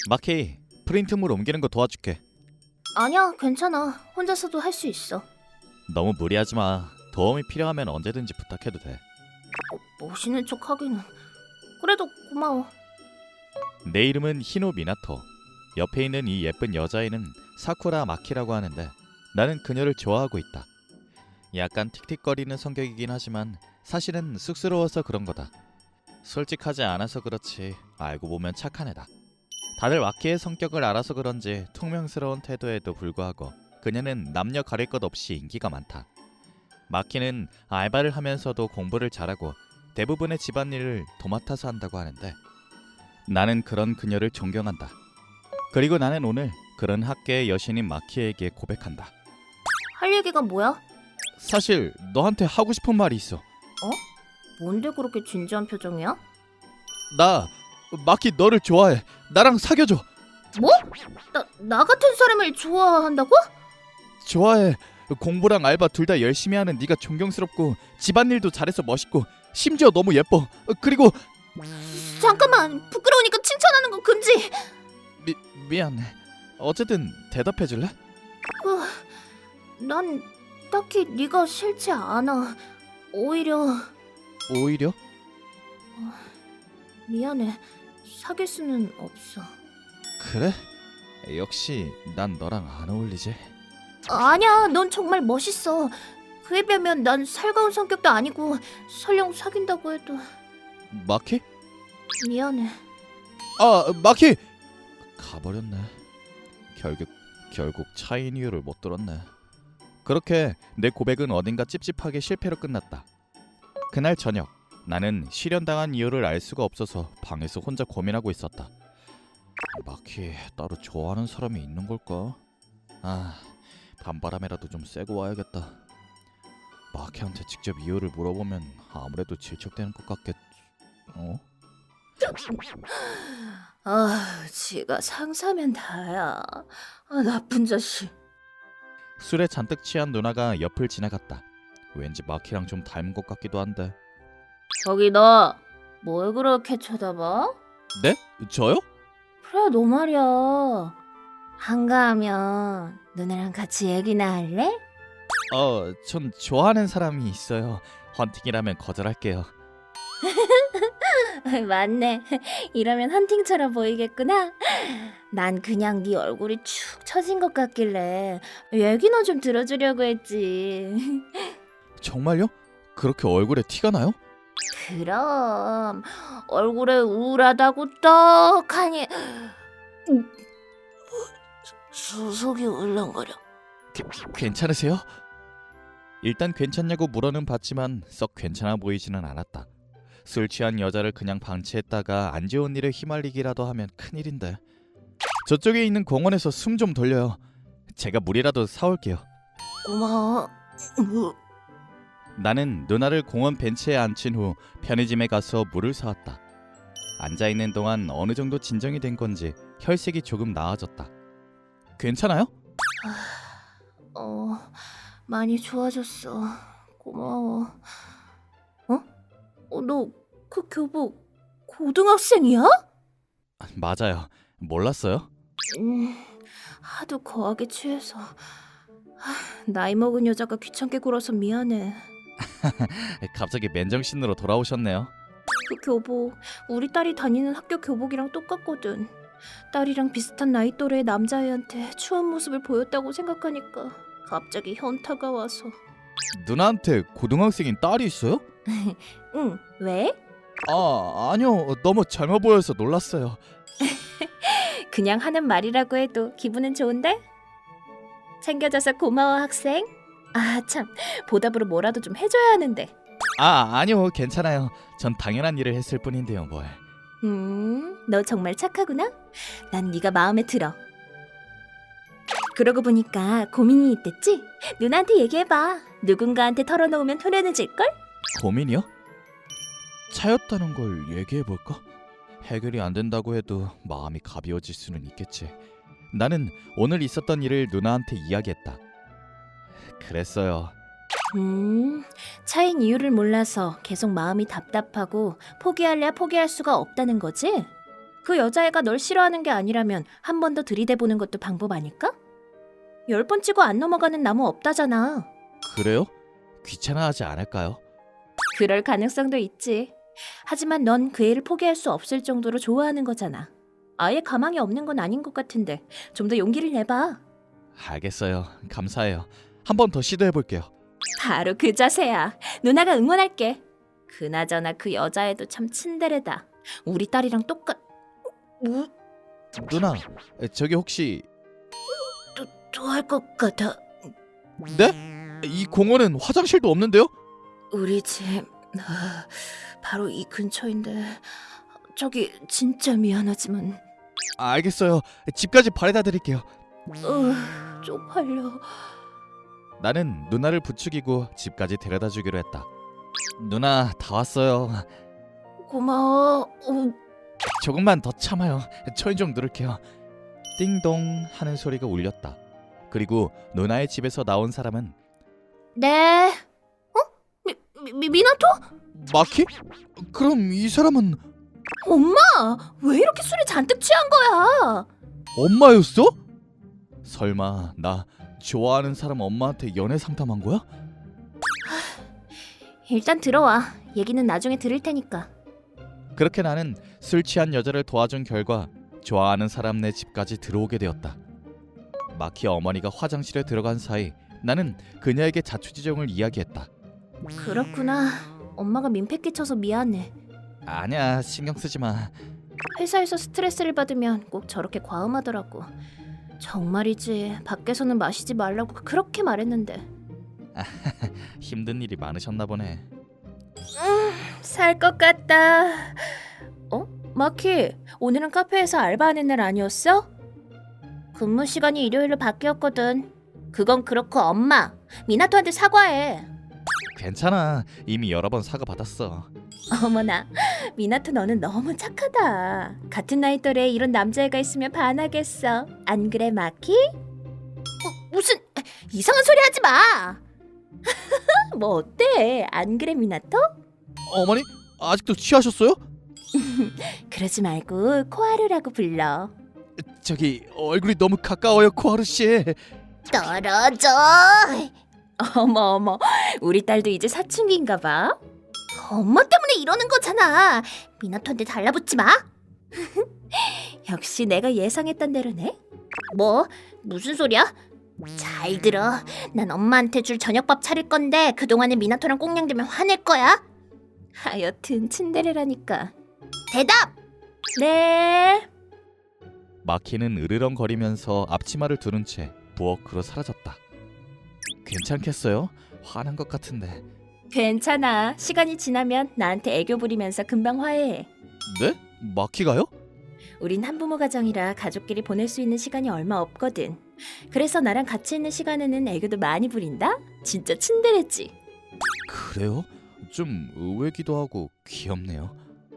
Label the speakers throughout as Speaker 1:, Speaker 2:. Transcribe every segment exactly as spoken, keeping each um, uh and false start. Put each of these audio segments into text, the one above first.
Speaker 1: 마키, 프린트물 옮기는 거 도와줄게.
Speaker 2: 아니야, 괜찮아. 혼자서도 할 수 있어.
Speaker 1: 너무 무리하지 마. 도움이 필요하면 언제든지 부탁해도 돼.
Speaker 2: 어, 멋있는 척 하기는. 그래도 고마워.
Speaker 1: 내 이름은 히노 미나토. 옆에 있는 이 예쁜 여자애는 사쿠라 마키라고 하는데 나는 그녀를 좋아하고 있다. 약간 틱틱거리는 성격이긴 하지만 사실은 쑥스러워서 그런 거다. 솔직하지 않아서 그렇지 알고 보면 착한 애다. 다들 마키의 성격을 알아서 그런지 퉁명스러운 태도에도 불구하고 그녀는 남녀 가릴 것 없이 인기가 많다. 마키는 알바를 하면서도 공부를 잘하고 대부분의 집안일을 도맡아서 한다고 하는데 나는 그런 그녀를 존경한다. 그리고 나는 오늘 그런 학계의 여신인 마키에게 고백한다.
Speaker 2: 할 얘기가 뭐야?
Speaker 1: 사실 너한테 하고 싶은 말이 있어.
Speaker 2: 뭔데 그렇게 진지한 표정이야?
Speaker 1: 나 마키 너를 좋아해. 나랑 사귀어줘.
Speaker 2: 뭐? 나, 나 같은 사람을 좋아한다고?
Speaker 1: 좋아해. 공부랑 알바 둘 다 열심히 하는 네가 존경스럽고 집안일도 잘해서 멋있고 심지어 너무 예뻐. 그리고
Speaker 2: 잠깐만, 부끄러우니까 칭찬하는 거 금지.
Speaker 1: 미, 미안해. 어쨌든 대답해 줄래?
Speaker 2: 그, 난 딱히 네가 싫지 않아. 오히려
Speaker 1: 오히려?
Speaker 2: 미안해. 사귈 수는 없어.
Speaker 1: 그래? 역시 난 너랑 안 어울리지.
Speaker 2: 아니야, 넌 정말 멋있어. 그에 비하면 난 살가운 성격도 아니고 설령 사귄다고 해도
Speaker 1: 마키?
Speaker 2: 미안해.
Speaker 1: 아 마키! 가버렸네. 결국 결국 차인 이유를 못 들었네. 그렇게 내 고백은 어딘가 찝찝하게 실패로 끝났다. 그날 저녁 나는 실현당한 이유를 알 수가 없어서 방에서 혼자 고민하고 있었다. 마키 따로 좋아하는 사람이 있는 걸까? 아 밤바람이라도 좀 쐬고 와야겠다. 마키한테 직접 이유를 물어보면 아무래도 질척대는 것 같겠... 어?
Speaker 2: 아, 지가 상사면 다야. 아, 나쁜 자식.
Speaker 1: 술에 잔뜩 취한 누나가 옆을 지나갔다. 왠지 마키랑 좀 닮은 것 같기도 한데.
Speaker 2: 저기 너, 뭘 그렇게 쳐다봐?
Speaker 1: 네? 저요?
Speaker 2: 그래, 너 말이야. 한가하면 누나랑 같이 얘기나 할래?
Speaker 1: 어, 전 좋아하는 사람이 있어요. 헌팅이라면 거절할게요.
Speaker 2: 맞네. 이러면 헌팅처럼 보이겠구나. 난 그냥 네 얼굴이 축 처진 것 같길래 얘기나 좀 들어주려고 했지.
Speaker 1: 정말요? 그렇게 얼굴에 티가 나요?
Speaker 2: 그럼 얼굴에 우울하다고 떡하니 수속이 울렁거려.
Speaker 1: 게, 괜찮으세요? 일단 괜찮냐고 물어는 봤지만 썩 괜찮아 보이지는 않았다. 술 취한 여자를 그냥 방치했다가 안 좋은 일에 휘말리기라도 하면 큰일인데. 저쪽에 있는 공원에서 숨 좀 돌려요. 제가 물이라도 사올게요.
Speaker 2: 고마워.
Speaker 1: 나는 누나를 공원 벤치에 앉힌 후 편의점에 가서 물을 사왔다. 앉아있는 동안 어느 정도 진정이 된 건지 혈색이 조금 나아졌다. 괜찮아요?
Speaker 2: 어, 많이 좋아졌어. 고마워. 어? 어, 너 그 교복 고등학생이야?
Speaker 1: 맞아요. 몰랐어요?
Speaker 2: 음, 하도 거하게 취해서. 하, 나이 먹은 여자가 귀찮게 굴어서 미안해.
Speaker 1: 갑자기 맨정신으로 돌아오셨네요.
Speaker 2: 그 교복 우리 딸이 다니는 학교 교복이랑 똑같거든. 딸이랑 비슷한 나이 또래의 남자애한테 추한 모습을 보였다고 생각하니까 갑자기 현타가 와서.
Speaker 1: 누나한테 고등학생인 딸이 있어요?
Speaker 2: 응, 왜?
Speaker 1: 아, 아니요. 너무 젊어 보여서 놀랐어요.
Speaker 2: 그냥 하는 말이라고 해도 기분은 좋은데? 챙겨줘서 고마워, 학생. 아, 참, 보답으로 뭐라도 좀 해줘야 하는데.
Speaker 1: 아, 아니요. 괜찮아요. 전 당연한 일을 했을 뿐인데요, 뭘.
Speaker 2: 음, 너 정말 착하구나. 난 네가 마음에 들어. 그러고 보니까 고민이 있댔지? 누나한테 얘기해봐. 누군가한테 털어놓으면 후련해질걸?
Speaker 1: 고민이요? 차였다는 걸 얘기해볼까? 해결이 안 된다고 해도 마음이 가벼워질 수는 있겠지. 나는 오늘 있었던 일을 누나한테 이야기했다. 그랬어요.
Speaker 2: 음, 차인 이유를 몰라서 계속 마음이 답답하고 포기할래야 포기할 수가 없다는 거지? 그 여자애가 널 싫어하는 게 아니라면 한 번 더 들이대보는 것도 방법 아닐까? 열 번 치고 안 넘어가는 나무 없다잖아.
Speaker 1: 그래요? 귀찮아하지 않을까요?
Speaker 2: 그럴 가능성도 있지. 하지만 넌 그 애를 포기할 수 없을 정도로 좋아하는 거잖아. 아예 가망이 없는 건 아닌 것 같은데 좀 더 용기를 내봐.
Speaker 1: 알겠어요. 감사해요. 한 번 더 시도해볼게요.
Speaker 2: 바로 그 자세야. 누나가 응원할게. 그나저나 그 여자애도 참 친데레다. 우리 딸이랑 똑같... 뭐?
Speaker 1: 누나, 저기 혹시...
Speaker 2: 또, 또 할 것 같아.
Speaker 1: 네? 이 공원은 화장실도 없는데요?
Speaker 2: 우리 집... 아, 바로 이 근처인데... 저기 진짜 미안하지만...
Speaker 1: 알겠어요. 집까지 바래다 드릴게요.
Speaker 2: 어, 쪽팔려.
Speaker 1: 나는 누나를 부추기고 집까지 데려다 주기로 했다. 누나, 다 왔어요.
Speaker 2: 고마워. 어,
Speaker 1: 조금만 더 참아요. 초인종 누를게요. 띵동 하는 소리가 울렸다. 그리고 누나의 집에서 나온 사람은
Speaker 2: 네. 어? 미, 미, 미나토?
Speaker 1: 마키? 그럼 이 사람은
Speaker 2: 엄마! 왜 이렇게 술에 잔뜩 취한 거야?
Speaker 1: 엄마였어? 설마 나 좋아하는 사람 엄마한테 연애 상담한 거야?
Speaker 2: 일단 들어와. 얘기는 나중에 들을 테니까.
Speaker 1: 그렇게 나는 술 취한 여자를 도와준 결과 좋아하는 사람네 집까지 들어오게 되었다. 마키 어머니가 화장실에 들어간 사이 나는 그녀에게 자초지종을 이야기했다.
Speaker 2: 그렇구나. 엄마가 민폐 끼쳐서 미안해.
Speaker 1: 아니야, 신경 쓰지 마.
Speaker 2: 회사에서 스트레스를 받으면 꼭 저렇게 과음하더라고. 정말이지. 밖에서는 마시지 말라고 그렇게 말했는데.
Speaker 1: 힘든 일이 많으셨나 보네.
Speaker 2: 살 것 같다. 어? 마키, 오늘은 카페에서 알바하는 날 아니었어? 근무 시간이 일요일로 바뀌었거든. 그건 그렇고 엄마, 미나토한테 사과해.
Speaker 1: 괜찮아. 이미 여러 번 사과 받았어.
Speaker 2: 어머나, 미나토 너는 너무 착하다. 같은 나이 또래에 이런 남자애가 있으면 반하겠어. 안 그래, 마키? 어, 무슨 이상한 소리 하지 마. 뭐 어때? 안 그래, 미나토?
Speaker 1: 어머니? 아직도 취하셨어요?
Speaker 2: 그러지 말고 코하루라고 불러.
Speaker 1: 저기 얼굴이 너무 가까워요, 코하루 씨.
Speaker 2: 떨어져. 어머 어머, 우리 딸도 이제 사춘기인가 봐. 엄마 때문에 이러는 거잖아. 미나토한테 달라붙지 마. 역시 내가 예상했던 대로네. 뭐? 무슨 소리야? 잘 들어. 난 엄마한테 줄 저녁밥 차릴 건데 그동안에 미나토랑 꽁냥대면 화낼 거야. 하여튼 츤데레라니까. 대답! 네.
Speaker 1: 마키는 으르렁거리면서 앞치마를 두른 채 부엌으로 사라졌다. 괜찮겠어요? 화난 것 같은데.
Speaker 2: 괜찮아. 시간이 지나면 나한테 애교 부리면서 금방 화해해.
Speaker 1: 네? 마키가요?
Speaker 2: 우린 한부모 가정이라 가족끼리 보낼 수 있는 시간이 얼마 없거든. 그래서 나랑 같이 있는 시간에는 애교도 많이 부린다? 진짜 츤데레지.
Speaker 1: 그래요? 좀 의외기도 하고 귀엽네요.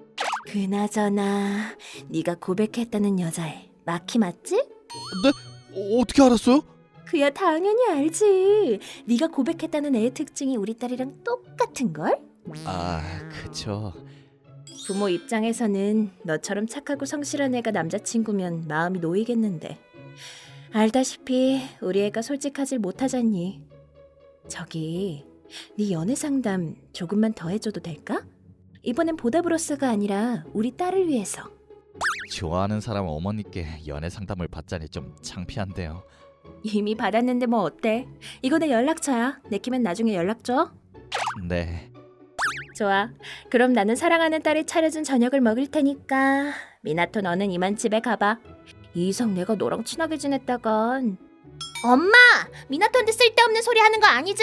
Speaker 2: 그나저나 네가 고백했다는 여자애 마키 맞지?
Speaker 1: 네? 어, 어떻게 알았어요?
Speaker 2: 그야 당연히 알지. 네가 고백했다는 애의 특징이 우리 딸이랑 똑같은걸?
Speaker 1: 아, 그쵸.
Speaker 2: 부모 입장에서는 너처럼 착하고 성실한 애가 남자친구면 마음이 놓이겠는데 알다시피 우리 애가 솔직하질 못하잖니. 저기 네 연애 상담 조금만 더 해줘도 될까? 이번엔 보답으로서가 아니라 우리 딸을 위해서.
Speaker 1: 좋아하는 사람 어머니께 연애 상담을 받자니 좀 창피한데요.
Speaker 2: 이미 받았는데 뭐 어때? 이거 내 연락처야. 내키면 나중에 연락 줘.
Speaker 1: 네.
Speaker 2: 좋아. 그럼 나는 사랑하는 딸이 차려준 저녁을 먹을 테니까 미나토 너는 이만 집에 가봐. 이상 내가 너랑 친하게 지냈다간. 엄마! 미나토한테 쓸데없는 소리 하는 거 아니지?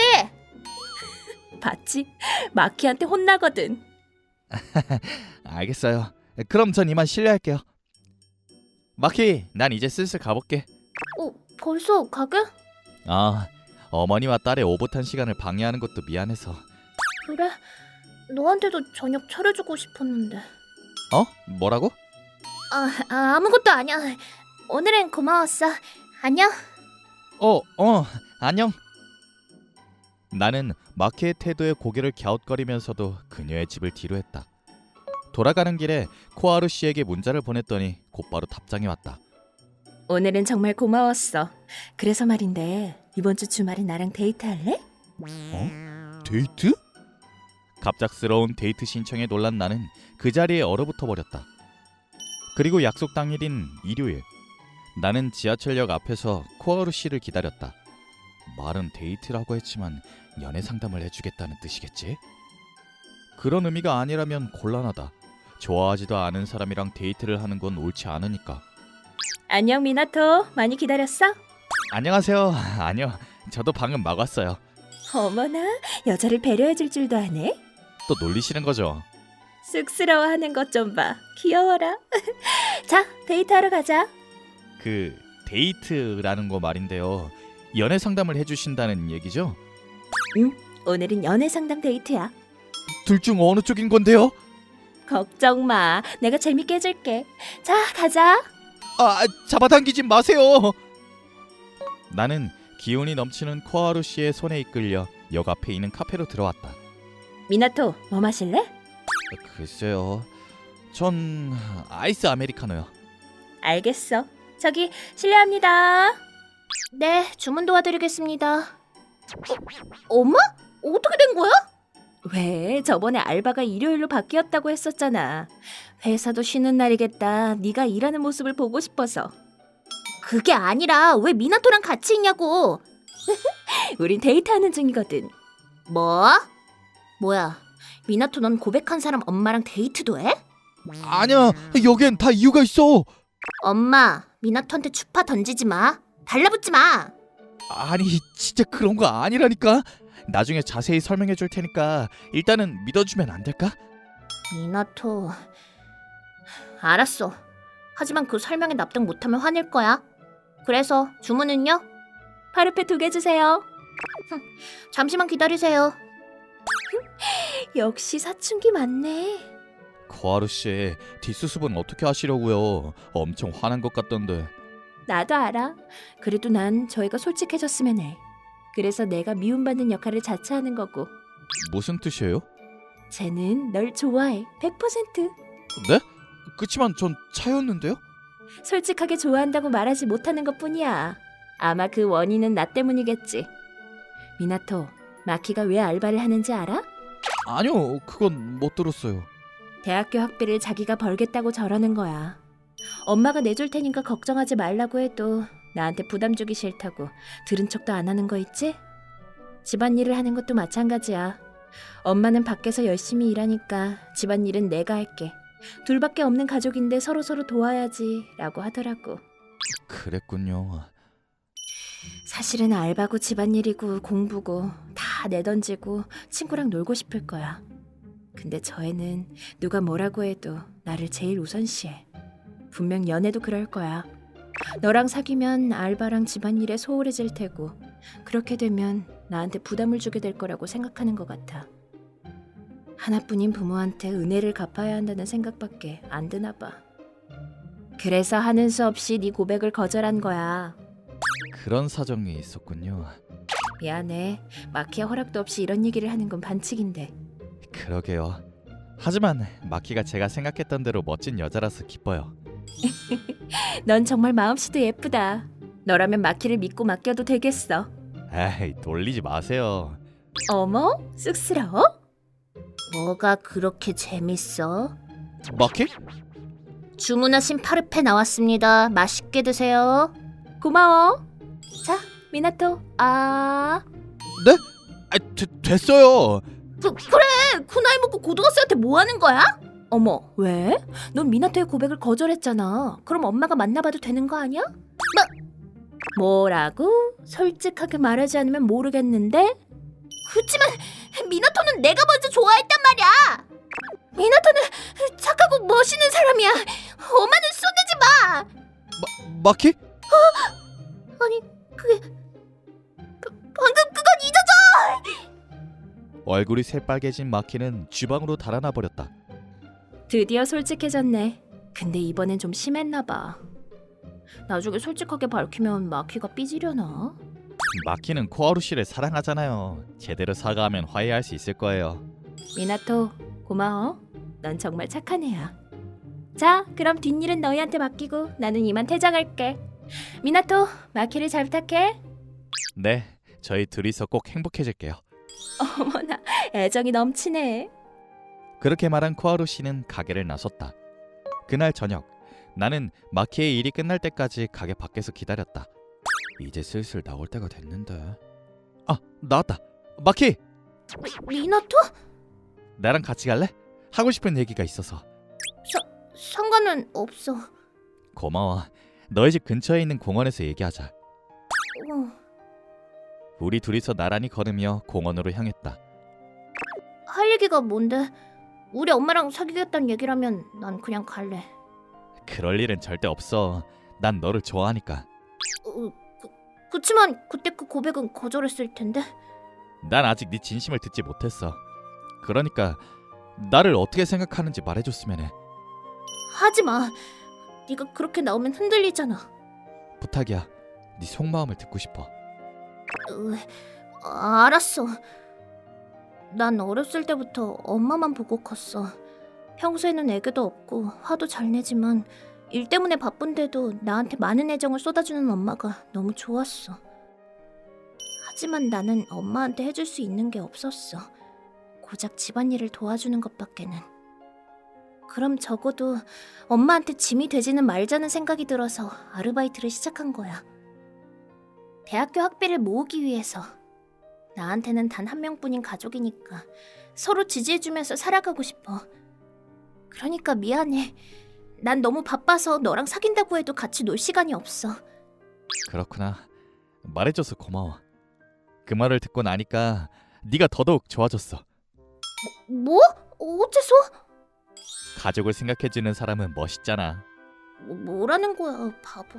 Speaker 2: 봤지? 마키한테 혼나거든.
Speaker 1: 알겠어요. 그럼 전 이만 실례할게요. 마키, 난 이제 슬슬 가볼게.
Speaker 2: 어, 벌써 가게?
Speaker 1: 아, 어머니와 딸의 오붓한 시간을 방해하는 것도 미안해서.
Speaker 2: 그래. 너한테도 저녁 차려주고 싶었는데.
Speaker 1: 어? 뭐라고?
Speaker 2: 아, 아 아무것도 아니야. 오늘은 고마웠어. 안녕.
Speaker 1: 어, 어, 안녕. 나는 마키의 태도에 고개를 갸웃거리면서도 그녀의 집을 뒤로했다. 돌아가는 길에 코하루 씨에게 문자를 보냈더니 곧바로 답장이 왔다.
Speaker 2: 오늘은 정말 고마웠어. 그래서 말인데 이번 주 주말에 나랑 데이트할래?
Speaker 1: 어? 데이트? 갑작스러운 데이트 신청에 놀란 나는 그 자리에 얼어붙어 버렸다. 그리고 약속 당일인 일요일, 나는 지하철역 앞에서 코하루 씨를 기다렸다. 말은 데이트라고 했지만 연애 상담을 해주겠다는 뜻이겠지? 그런 의미가 아니라면 곤란하다. 좋아하지도 않은 사람이랑 데이트를 하는 건 옳지 않으니까.
Speaker 2: 안녕 미나토. 많이 기다렸어?
Speaker 1: 안녕하세요. 아니요, 저도 방금 막 왔어요.
Speaker 2: 어머나, 여자를 배려해줄 줄도 아네.
Speaker 1: 또 놀리시는 거죠?
Speaker 2: 쑥스러워하는 것 좀 봐. 귀여워라. 자, 데이트하러 가자.
Speaker 1: 그 데이트라는 거 말인데요. 연애 상담을 해주신다는 얘기죠?
Speaker 2: 오늘은 연애 상담 데이트야.
Speaker 1: 둘 중 어느 쪽인 건데요?
Speaker 2: 걱정 마. 내가 재밌게 해줄게. 자, 가자.
Speaker 1: 아, 잡아당기지 마세요. 나는 기운이 넘치는 코하루 씨의 손에 이끌려 역 앞에 있는 카페로 들어왔다.
Speaker 2: 미나토, 뭐 마실래?
Speaker 1: 글쎄요, 전 아이스 아메리카노요.
Speaker 2: 알겠어. 저기 실례합니다. 네, 주문 도와드리겠습니다. 어, 엄마? 어떻게 된 거야? 왜? 저번에 알바가 일요일로 바뀌었다고 했었잖아. 회사도 쉬는 날이겠다. 네가 일하는 모습을 보고 싶어서. 그게 아니라 왜 미나토랑 같이 있냐고. 우린 데이트하는 중이거든. 뭐? 뭐야? 미나토 넌 고백한 사람 엄마랑 데이트도 해?
Speaker 1: 아니야, 여기엔 다 이유가 있어.
Speaker 2: 엄마, 미나토한테 추파 던지지 마. 달라붙지 마.
Speaker 1: 아니, 진짜 그런 거 아니라니까. 나중에 자세히 설명해 줄 테니까 일단은 믿어주면 안 될까?
Speaker 2: 미나토, 알았어. 하지만 그 설명에 납득 못하면 화낼 거야. 그래서 주문은요? 파르페 두 개 주세요. 잠시만 기다리세요. 역시 사춘기 맞네.
Speaker 1: 코하루 씨, 뒷수습은 어떻게 하시려고요? 엄청 화난 것 같던데.
Speaker 2: 나도 알아. 그래도 난 저희가 솔직해졌으면 해. 그래서 내가 미움받는 역할을 자처하는 거고.
Speaker 1: 무슨 뜻이에요?
Speaker 2: 쟤는 널 좋아해. 백 퍼센트.
Speaker 1: 네? 그치만 전 차였는데요?
Speaker 2: 솔직하게 좋아한다고 말하지 못하는 것뿐이야. 아마 그 원인은 나 때문이겠지. 미나토, 마키가 왜 알바를 하는지 알아?
Speaker 1: 아니요, 그건 못 들었어요.
Speaker 2: 대학교 학비를 자기가 벌겠다고 저러는 거야. 엄마가 내줄 테니까 걱정하지 말라고 해도 나한테 부담 주기 싫다고 들은 척도 안 하는 거 있지? 집안일을 하는 것도 마찬가지야. 엄마는 밖에서 열심히 일하니까 집안일은 내가 할게. 둘밖에 없는 가족인데 서로서로 도와야지 라고 하더라고.
Speaker 1: 그랬군요.
Speaker 2: 사실은 알바고 집안일이고 공부고 다 내던지고 친구랑 놀고 싶을 거야. 근데 저 애는 누가 뭐라고 해도 나를 제일 우선시해. 분명 연애도 그럴 거야. 너랑 사귀면 알바랑 집안일에 소홀해질 테고 그렇게 되면 나한테 부담을 주게 될 거라고 생각하는 것 같아. 하나뿐인 부모한테 은혜를 갚아야 한다는 생각밖에 안 드나 봐. 그래서 하는 수 없이 네 고백을 거절한 거야.
Speaker 1: 그런 사정이 있었군요.
Speaker 2: 미안해. 마키야 허락도 없이 이런 얘기를 하는 건 반칙인데.
Speaker 1: 그러게요. 하지만 마키가 제가 생각했던 대로 멋진 여자라서 기뻐요.
Speaker 2: 넌 정말 마음씨도 예쁘다. 너라면 마키를 믿고 맡겨도 되겠어.
Speaker 1: 에이, 놀리지 마세요.
Speaker 2: 어머? 쑥스러워? 뭐가 그렇게 재밌어?
Speaker 1: 마키?
Speaker 2: 주문하신 파르페 나왔습니다. 맛있게 드세요. 고마워. 자, 미나토. 아...
Speaker 1: 네? 아, 되, 됐어요.
Speaker 2: 그, 그래! 그 나이 먹고 고등학생한테 뭐 하는 거야? 어머, 왜? 넌 미나토의 고백을 거절했잖아. 그럼 엄마가 만나봐도 되는 거 아니야? 뭐? 뭐라고? 솔직하게 말하지 않으면 모르겠는데? 그치만 미나토는 내가 먼저 좋아했단 말이야. 미나토는 착하고 멋있는 사람이야. 엄마는 쏘대지 마.
Speaker 1: 마, 마키?
Speaker 2: 어? 아니, 그게... 바, 방금 그건 잊어줘!
Speaker 1: 얼굴이 새빨개진 마키는 주방으로 달아나 버렸다.
Speaker 2: 드디어 솔직해졌네. 근데 이번엔 좀 심했나 봐. 나중에 솔직하게 밝히면 마키가 삐지려나?
Speaker 1: 마키는 코하루 씨를 사랑하잖아요. 제대로 사과하면 화해할 수 있을 거예요.
Speaker 2: 미나토, 고마워. 넌 정말 착한 애야. 자, 그럼 뒷일은 너희한테 맡기고 나는 이만 퇴장할게. 미나토, 마키를 잘 부탁해.
Speaker 1: 네, 저희 둘이서 꼭 행복해질게요.
Speaker 2: 어머나, 애정이 넘치네.
Speaker 1: 그렇게 말한 코하루 씨는 가게를 나섰다. 그날 저녁, 나는 마키의 일이 끝날 때까지 가게 밖에서 기다렸다. 이제 슬슬 나올 때가 됐는데. 아, 나왔다. 마키!
Speaker 2: 미, 미나토?
Speaker 1: 나랑 같이 갈래? 하고 싶은 얘기가 있어서.
Speaker 2: 상관은 없어.
Speaker 1: 고마워. 너희 집 근처에 있는 공원에서 얘기하자.
Speaker 2: 어,
Speaker 1: 우리 둘이서 나란히 걸으며 공원으로 향했다.
Speaker 2: 할 얘기가 뭔데? 우리 엄마랑 사귀겠다는 얘기라면 난 그냥 갈래.
Speaker 1: 그럴 일은 절대 없어. 난 너를 좋아하니까.
Speaker 2: 어, 그, 그치만 그때 그 고백은 거절했을 텐데.
Speaker 1: 난 아직 네 진심을 듣지 못했어. 그러니까 나를 어떻게 생각하는지 말해줬으면 해.
Speaker 2: 하지 마. 네가 그렇게 나오면 흔들리잖아.
Speaker 1: 부탁이야. 네 속마음을 듣고 싶어.
Speaker 2: 으, 아, 알았어. 난 어렸을 때부터 엄마만 보고 컸어. 평소에는 애교도 없고 화도 잘 내지만 일 때문에 바쁜데도 나한테 많은 애정을 쏟아주는 엄마가 너무 좋았어. 하지만 나는 엄마한테 해줄 수 있는 게 없었어. 고작 집안일을 도와주는 것밖에는. 그럼 적어도 엄마한테 짐이 되지는 말자는 생각이 들어서 아르바이트를 시작한 거야. 대학교 학비를 모으기 위해서. 나한테는 단 한 명뿐인 가족이니까 서로 지지해주면서 살아가고 싶어. 그러니까 미안해. 난 너무 바빠서 너랑 사귄다고 해도 같이 놀 시간이 없어.
Speaker 1: 그렇구나. 말해줘서 고마워. 그 말을 듣고 나니까 네가 더더욱 좋아졌어.
Speaker 2: 뭐? 어째서?
Speaker 1: 가족을 생각해주는 사람은 멋있잖아.
Speaker 2: 뭐, 뭐라는 거야, 바보.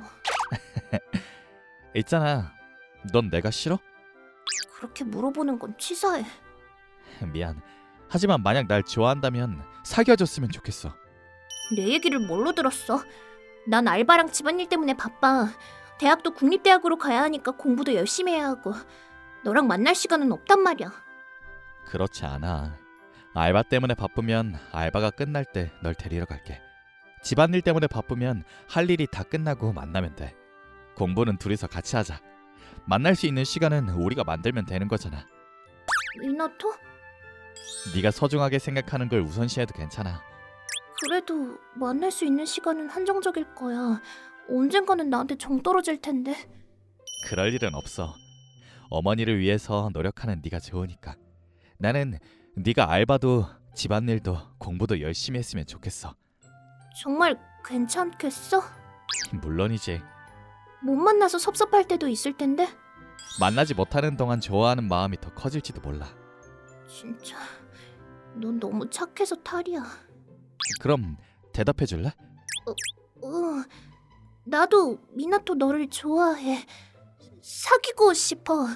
Speaker 1: 있잖아. 넌 내가 싫어?
Speaker 2: 그렇게 물어보는 건 치사해.
Speaker 1: 미안. 하지만 만약 날 좋아한다면 사귀어줬으면 좋겠어.
Speaker 2: 내 얘기를 뭘로 들었어? 난 알바랑 집안일 때문에 바빠. 대학도 국립대학으로 가야 하니까 공부도 열심히 해야 하고 너랑 만날 시간은 없단 말이야.
Speaker 1: 그렇지 않아. 알바 때문에 바쁘면 알바가 끝날 때 널 데리러 갈게. 집안일 때문에 바쁘면 할 일이 다 끝나고 만나면 돼. 공부는 둘이서 같이 하자. 만날 수 있는 시간은 우리가 만들면 되는 거잖아.
Speaker 2: 미나토?
Speaker 1: 네가 소중하게 생각하는 걸 우선시해도 괜찮아.
Speaker 2: 그래도 만날 수 있는 시간은 한정적일 거야. 언젠가는 나한테 정 떨어질 텐데.
Speaker 1: 그럴 일은 없어. 어머니를 위해서 노력하는 네가 좋으니까. 나는 네가 알바도 집안일도 공부도 열심히 했으면 좋겠어.
Speaker 2: 정말 괜찮겠어?
Speaker 1: 물론이지.
Speaker 2: 못 만나서 섭섭할 때도 있을 텐데.
Speaker 1: 만나지 못하는 동안 좋아하는 마음이 더 커질지도 몰라.
Speaker 2: 진짜 넌 너무 착해서 탈이야.
Speaker 1: 그럼 대답해 줄래?
Speaker 2: 응, 나도 미나토 너를 좋아해. 사귀고 싶어.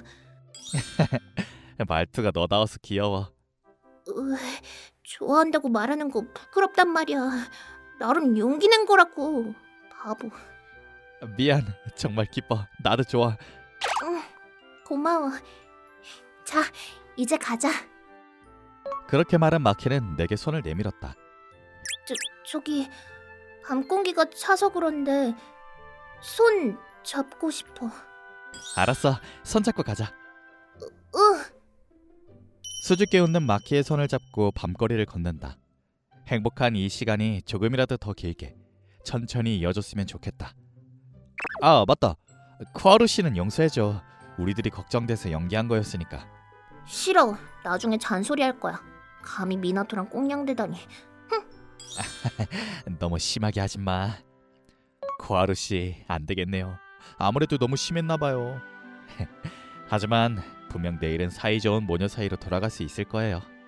Speaker 1: 말투가 너다워서 귀여워.
Speaker 2: 으, 좋아한다고 말하는 거 부끄럽단 말이야. 나름 용기 낸 거라고. 바보.
Speaker 1: 미안. 정말 기뻐. 나도 좋아.
Speaker 2: 응, 고마워. 자, 이제 가자.
Speaker 1: 그렇게 말한 마키는 내게 손을 내밀었다.
Speaker 2: 저, 저기 밤 공기가 차서 그런데 손 잡고 싶어.
Speaker 1: 알았어. 손잡고 가자.
Speaker 2: 으,
Speaker 1: 수줍게 웃는 마키의 손을 잡고 밤거리를 걷는다. 행복한 이 시간이 조금이라도 더 길게 천천히 이어졌으면 좋겠다. 아, 맞다. 쿠하루 씨는 용서해줘. 우리들이 걱정돼서 연기한 거였으니까.
Speaker 2: 싫어. 나중에 잔소리 할 거야. 감히 미나토랑 꽁냥대다니.
Speaker 1: 너무 심하게 하지 마. 쿠하루 씨, 안 되겠네요. 아무래도 너무 심했나 봐요. 하지만 분명 내일은 사이좋은 모녀 사이로 돌아갈 수 있을 거예요.